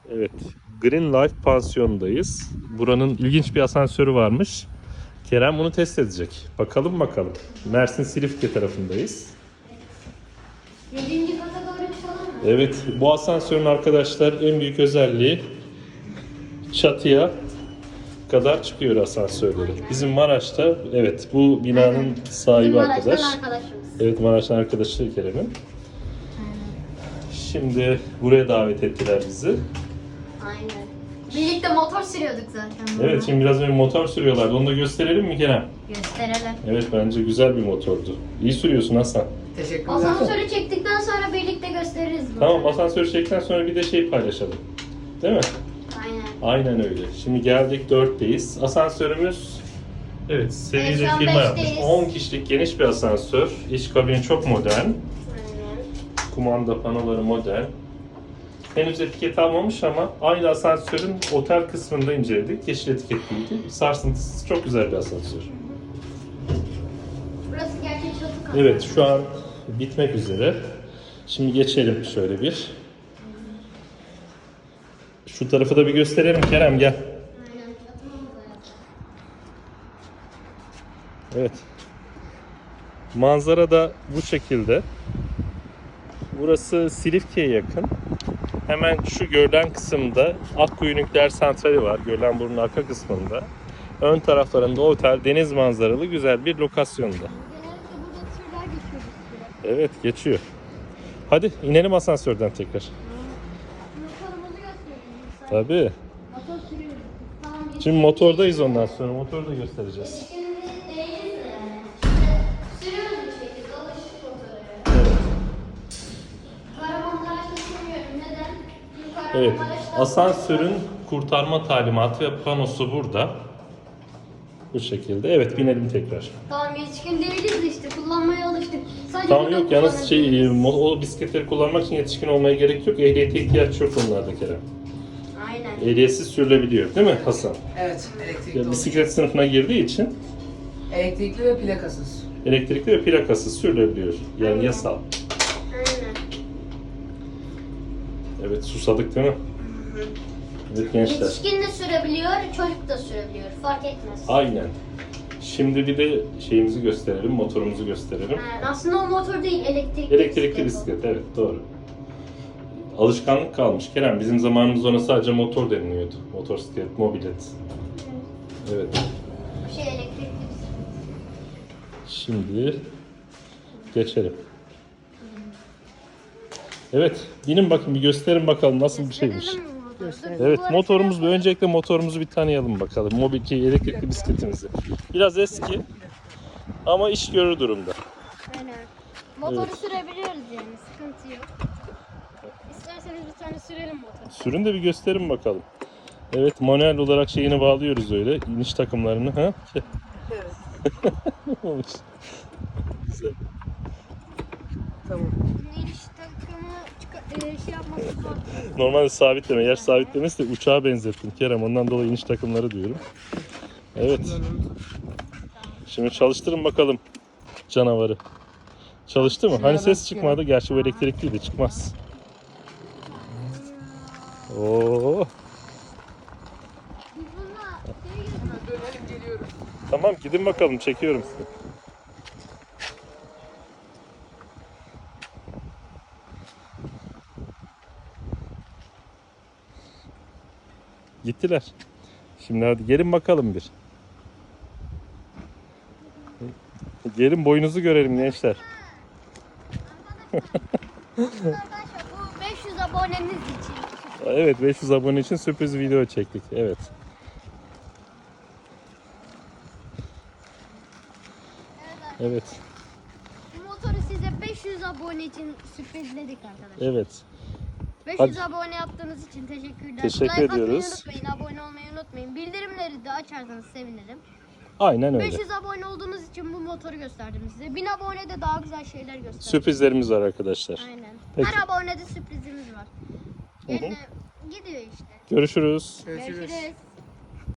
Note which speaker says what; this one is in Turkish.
Speaker 1: Evet, Green Life Pansiyonu'ndayız. Buranın ilginç bir asansörü varmış. Kerem bunu test edecek. Bakalım. Mersin Silifke tarafındayız.
Speaker 2: 7. kata doğru çıkalım mı?
Speaker 1: Evet, bu asansörün arkadaşlar en büyük özelliği çatıya kadar çıkıyor asansörleri. Bizim Maraş'ta, evet, bu binanın sahibi
Speaker 2: Maraş'tan
Speaker 1: arkadaş.
Speaker 2: arkadaşımız.
Speaker 1: Evet, Maraş'tan arkadaşı Kerem'in. Şimdi buraya davet ettiler bizi.
Speaker 2: Aynen. Birlikte motor sürüyorduk zaten.
Speaker 1: Evet, şimdi biraz önce motor sürüyorlardı. Onu da gösterelim mi Kerem?
Speaker 2: Gösterelim.
Speaker 1: Evet, bence güzel bir motordu. İyi sürüyorsun Hasan.
Speaker 3: Teşekkürler.
Speaker 2: Asansörü çektikten sonra birlikte gösteririz bunu.
Speaker 1: Tamam, asansörü çektikten sonra bir de paylaşalım. Değil mi?
Speaker 2: Aynen.
Speaker 1: Aynen öyle. Şimdi geldik 4'teyiz. Asansörümüz, evet, seviye
Speaker 2: şu an
Speaker 1: firma yapmış.
Speaker 2: 5'teyiz.
Speaker 1: 10 kişilik geniş bir asansör. İç kabini çok modern.
Speaker 2: Aynen.
Speaker 1: Kumanda panoları modern. Henüz etiket almamış ama aynı asansörün otel kısmında inceledik. Yeşil etiketliydi. Sarsıntısız çok güzel bir asansör.
Speaker 2: Burası gerçek çatı katı.
Speaker 1: Evet, şu an bitmek üzere. Şimdi geçelim şöyle bir. Şu tarafı da bir gösterelim Kerem, gel.
Speaker 2: Aynen, çatımız da yok.
Speaker 1: Evet. Manzara da bu şekilde. Burası Silifke'ye yakın. Hemen şu görülen kısımda Akkuyu Nükleer Santrali var. Gölenburnu'nun arka kısmında. Ön taraflarında otel, deniz manzaralı güzel bir lokasyonda.
Speaker 2: Genellikle burada türler geçiyor bir süre.
Speaker 1: Evet, geçiyor. Hadi inelim asansörden tekrar.
Speaker 2: Motorumuzu gösterelim.
Speaker 1: Tabii.
Speaker 2: Motor sürüyoruz. Tamam.
Speaker 1: Şimdi motordayız ondan sonra. Motoru da göstereceğiz.
Speaker 2: Şimdi değiliz de yani. İşte sürüyoruz bir şekilde. Alıştık motora.
Speaker 1: Evet.
Speaker 2: Kahramanmaraş'ta sürmüyorum. Neden? Çünkü
Speaker 1: Evet.
Speaker 2: Kahramanmaraş'ta-
Speaker 1: Asansörün kurtarma talimatı ve panosu burada. Bu şekilde. Evet, binelim tekrar.
Speaker 2: Tamam, yetişkin değiliz de işte kullanmaya alıştık. Sadece
Speaker 1: Tamam,
Speaker 2: burada
Speaker 1: yok yalnız
Speaker 2: kullanabiliriz.
Speaker 1: o bisikletleri kullanmak için yetişkin olmaya gerek yok. Ehliyete ihtiyaç yok onlarda Kerem.
Speaker 2: Aynen.
Speaker 1: Ehliyetsiz sürülebiliyor değil mi Hasan?
Speaker 3: Evet, elektrikli
Speaker 1: Ya,
Speaker 3: olur.
Speaker 1: bisiklet sınıfına girdiği için
Speaker 3: Elektrikli ve plakasız.
Speaker 1: elektrikli ve plakasız sürülebiliyor. Yani
Speaker 2: Aynen.
Speaker 1: yasal.
Speaker 2: Aynen.
Speaker 1: Evet, susadık değil mi? Evet gençler.
Speaker 2: Yetişkin de sürebiliyor, çocuk da sürebiliyor. Fark etmez.
Speaker 1: Aynen. Şimdi bir de şeyimizi gösterelim, motorumuzu gösterelim.
Speaker 2: Yani aslında o motor değil, elektrikli,
Speaker 1: Elektrikli
Speaker 2: o.
Speaker 1: bisiklet, evet doğru. Alışkanlık kalmış Kerem. Bizim zamanımızda ona sadece motor deniliyordu. Motosiklet, mobilet. Evet.
Speaker 2: Bu şey elektrikli bisiklet.
Speaker 1: Şimdi geçelim. Evet, binin bakın, bir gösterin bakalım nasıl bir şeymiş.
Speaker 2: Gösterelim mi motoru?
Speaker 1: Evet,
Speaker 2: Bu arada
Speaker 1: motorumuzu öncelikle motorumuzu bir tanıyalım bakalım. Elektrikli bisikletimizi. Biraz eski ama iş görür durumda.
Speaker 2: Aynen. Motoru
Speaker 1: Evet.
Speaker 2: sürebiliyoruz yani, sıkıntı yok. İsterseniz bir tane sürelim motoru.
Speaker 1: Sürün de bir gösterin bakalım. Evet, manuel olarak şeyini bağlıyoruz öyle, iniş takımlarını. Ha?
Speaker 3: Evet.
Speaker 1: Olmuş. Güzel.
Speaker 3: Tamam.
Speaker 2: Bunun iniş takımı şey yapması zor.
Speaker 1: Normalde sabitleme, yer sabitlemesi de uçağa benzettim Kerem. Ondan dolayı iniş takımları diyorum. Evet. Şimdi çalıştırın bakalım canavarı. Çalıştı mı? Hani ses çıkmadı. Gerçi bu elektrikliydi, çıkmaz. Oo.
Speaker 2: Biz bununla şey yapıyoruz.
Speaker 3: Dönelim geliyoruz.
Speaker 1: Tamam, gidin bakalım, çekiyorum sizi. Gittiler. Şimdi hadi gelin bakalım bir. Gelin, boyunuzu görelim gençler.
Speaker 2: Arkadaşlar bu 500 abonemiz için.
Speaker 1: Evet, 500 abone için sürpriz video çektik. Evet. Evet.
Speaker 2: Bu motoru size 500 abone için sürprizledik arkadaşlar.
Speaker 1: Evet.
Speaker 2: 500
Speaker 1: Hadi.
Speaker 2: abone yaptığınız için teşekkürler.
Speaker 1: Teşekkür
Speaker 2: Like atmayı
Speaker 1: ediyoruz.
Speaker 2: unutmayın, abone olmayı unutmayın. Bildirimleri de açarsanız sevinirim.
Speaker 1: Aynen öyle.
Speaker 2: 500 abone olduğunuz için bu motoru gösterdim size. 1000 abone de daha güzel şeyler gösterdim.
Speaker 1: Sürprizlerimiz var arkadaşlar.
Speaker 2: Aynen.
Speaker 1: Peki.
Speaker 2: Her abonede sürprizimiz var. Yani gidiyor işte.
Speaker 1: Görüşürüz.
Speaker 3: Görüşürüz.
Speaker 2: Görüşürüz.